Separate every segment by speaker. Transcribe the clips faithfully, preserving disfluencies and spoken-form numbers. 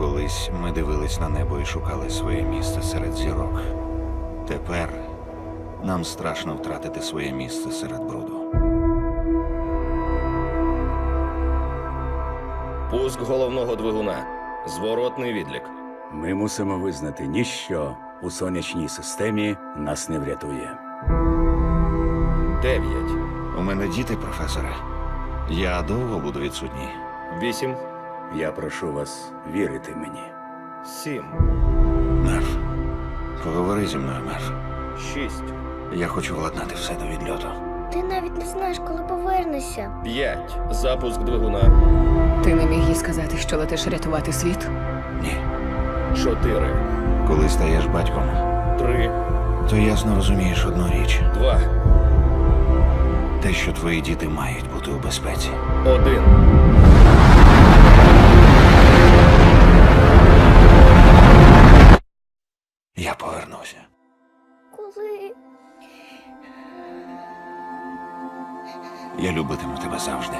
Speaker 1: Колись ми дивились на небо і шукали своє місце серед зірок. Тепер нам страшно втратити своє місце серед бруду.
Speaker 2: Пуск головного двигуна. Зворотний відлік.
Speaker 3: Ми мусимо визнати, ніщо у сонячній системі нас не врятує.
Speaker 2: Дев'ять.
Speaker 1: У мене діти, професоре. Я довго буду відсутній.
Speaker 2: Вісім.
Speaker 3: Я прошу вас вірити мені.
Speaker 2: Сім.
Speaker 1: Мерф, поговори зі мною, Мерф.
Speaker 2: Шість.
Speaker 1: Я хочу владнати все до відльоту.
Speaker 4: Ти навіть не знаєш, коли повернешся.
Speaker 2: П'ять. Запуск двигуна.
Speaker 5: Ти не міг їй сказати, що летиш рятувати світ?
Speaker 1: Ні.
Speaker 2: Чотири.
Speaker 1: Коли стаєш батьком,
Speaker 2: Три.
Speaker 1: то ясно розумієш одну річ.
Speaker 2: Два.
Speaker 1: Те, що твої діти мають бути у безпеці.
Speaker 2: Один.
Speaker 1: Я повернуся.
Speaker 4: Коли?
Speaker 1: Я любитиму тебе завжди.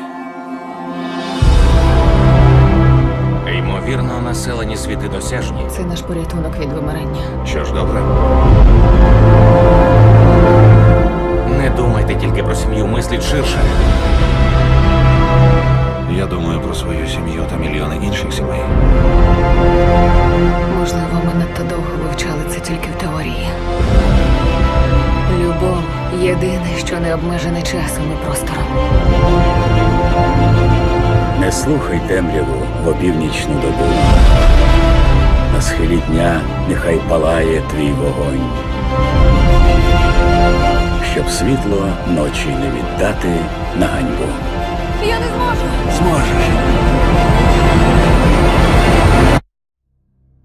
Speaker 6: Ймовірно, населені світи досяжні.
Speaker 5: Це наш порятунок від вимирання.
Speaker 1: Що ж, добре?
Speaker 6: Не думайте тільки про сім'ю, мисліть ширше.
Speaker 1: Я думаю про свою сім'ю та мільйони інших сімей.
Speaker 5: Можливо, ми надто довго вивчали це тільки в теорії. Любов – єдине, що не обмежене часом і простором.
Speaker 3: Не слухай темряву в опівнічну добу. На схилі дня нехай палає твій вогонь. Щоб світло ночі не віддати на ганьбу.
Speaker 5: Я не зможу!
Speaker 1: Зможеш.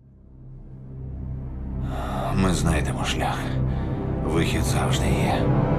Speaker 1: Ми знайдемо шлях. Вихід завжди є.